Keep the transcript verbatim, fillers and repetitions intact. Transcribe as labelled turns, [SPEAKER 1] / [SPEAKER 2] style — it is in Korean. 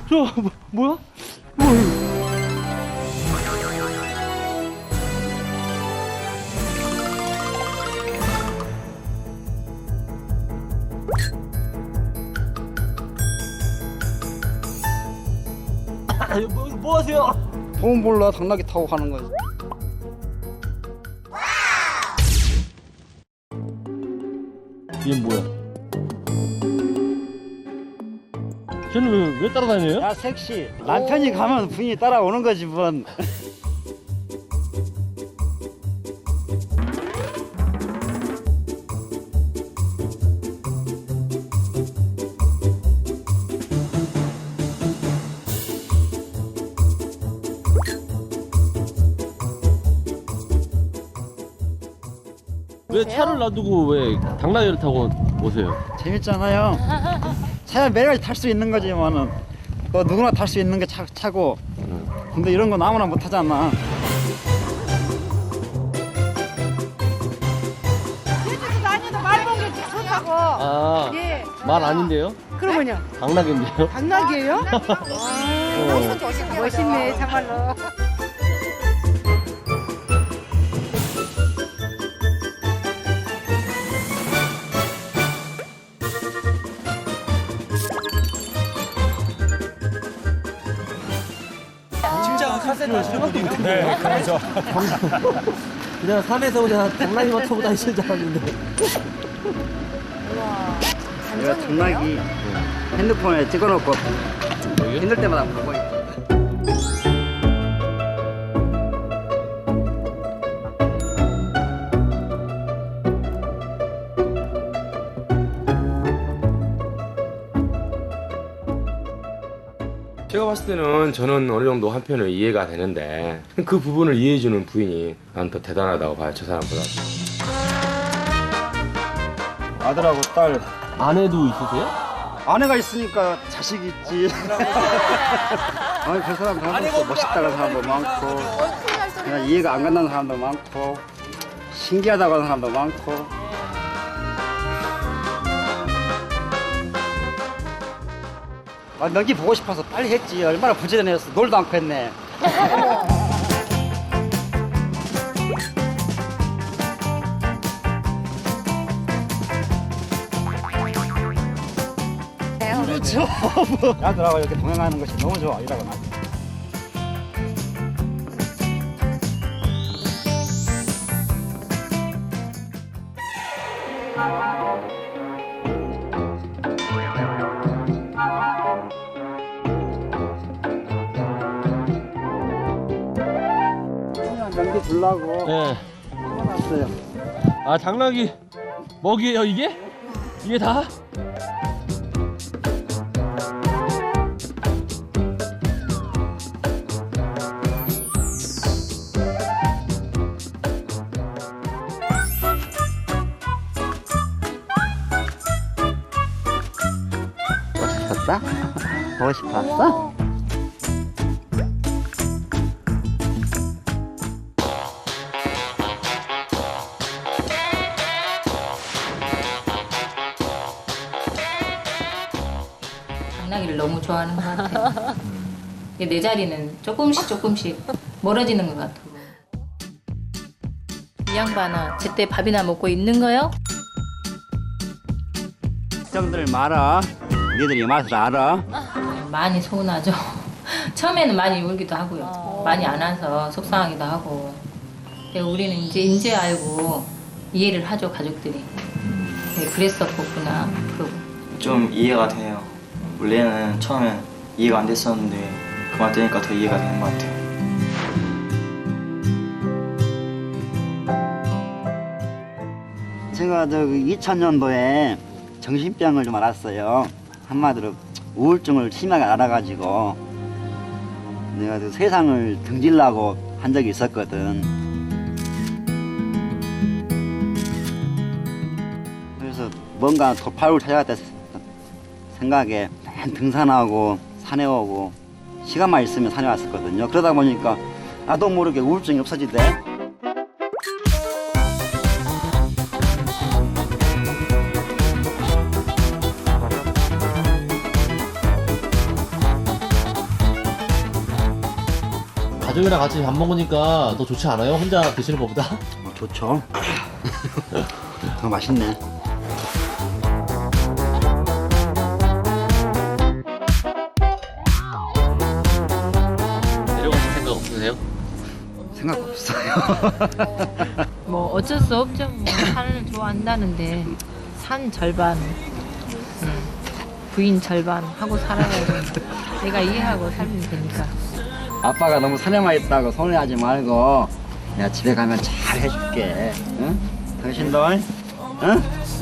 [SPEAKER 1] 저 뭐, 뭐야? 뭐야? 아, 뭐, 뭐 하세요?
[SPEAKER 2] 돈 몰라 당나귀 타고 가는 거지.
[SPEAKER 1] 얘 뭐야? 쟤는 왜, 왜 따라다녀요?
[SPEAKER 2] 야 섹시. 남편이 가면 부인이 따라오는 거지 뭔.
[SPEAKER 1] 왜 차를 놔두고 왜 당나귀를 타고 오세요?
[SPEAKER 2] 재밌잖아요. 차야 매일같이 탈 수 있는 거지만은 또 누구나 탈 수 있는 게 차, 차고. 근데 이런 건 아무나 못 하잖아.
[SPEAKER 3] 제주도 다니도 말 본 게 좋다고.
[SPEAKER 1] 아,
[SPEAKER 3] 예.
[SPEAKER 1] 말 아닌데요?
[SPEAKER 3] 그러면요.
[SPEAKER 1] 당나귀인데요?
[SPEAKER 3] 당나귀예요?
[SPEAKER 1] 어.
[SPEAKER 3] 멋있네 정말로.
[SPEAKER 4] 네, 그렇죠.
[SPEAKER 1] 그냥 산에서 그냥 당나귀만 타고 다니시는 줄 알았는데.
[SPEAKER 2] 내가 당나귀 핸드폰에 찍어놓고
[SPEAKER 1] 여기요?
[SPEAKER 2] 힘들 때마다 보고 있어.
[SPEAKER 5] 제가 봤을 때는 저는 어느 정도 한편은 이해가 되는데 그 부분을 이해해주는 부인이 난 더 대단하다고 봐요, 저 사람보다.
[SPEAKER 2] 아들하고 딸.
[SPEAKER 1] 아내도 있으세요?
[SPEAKER 2] 아내가 있으니까 자식이 있지. 아니 그 사람 사람도 멋있다는 사람도 많고 그냥 이해가 안 간다는 사람도 많고 신기하다고 하는 사람도 많고. 아, 너기 보고 싶어서 빨리 했지. 얼마나 부지런했어. 놀도 않고 했네. 그렇죠. 아들하고 이렇게 동행하는 것이 너무 좋아. 이라고 나. 그냥 연기 주려고
[SPEAKER 1] 네.
[SPEAKER 2] 해놨어요.
[SPEAKER 1] 아, 당나귀 먹이에요, 이게? 이게 다?
[SPEAKER 2] 싶었어? 보고 싶었어?
[SPEAKER 6] 당나귀를 너무 좋아하는 것 같아요. 내 자리는 조금씩 조금씩 멀어지는 것 같고. 이 양반아, 제때 밥이나 먹고 있는 거요?
[SPEAKER 2] 걱정들 마라. 니들이 맛을 알아.
[SPEAKER 6] 많이 서운하죠. 처음에는 많이 울기도 하고요. 많이 안 와서 속상하기도 하고. 근데 우리는 이제 인제 알고 이해를 하죠, 가족들이. 네, 그랬었구나. 그러고.
[SPEAKER 7] 좀 이해가 돼요. 원래는 처음엔 이해가 안 됐었는데 그 말 들으니까 더 이해가 되는 것 같아요.
[SPEAKER 2] 제가 저 이천 년도에 정신병을 좀 알았어요. 한마디로 우울증을 심하게 알아가지고 내가 그 세상을 등지려고 한 적이 있었거든. 그래서 뭔가 돌파구를 찾아야겠다 생각에 맨 등산하고 산에 오고 시간만 있으면 산에 왔었거든요. 그러다 보니까 나도 모르게 우울증이 없어지대.
[SPEAKER 1] 가족이랑 같이 밥 먹으니까 더 좋지 않아요? 혼자 드시는 것보다?
[SPEAKER 2] 어, 좋죠. 더 맛있네.
[SPEAKER 1] 내려가실 생각 없으세요?
[SPEAKER 2] 생각 없어요.
[SPEAKER 4] 뭐 어쩔 수 없죠. 뭐 산을 좋아한다는데 산 절반, 음, 부인 절반 하고 살아야지. 내가 이해하고 살면 되니까.
[SPEAKER 2] 아빠가 너무 산에만 있다고 서운해하지 말고 내가 집에 가면 잘 해줄게. 응? 당신들, 응?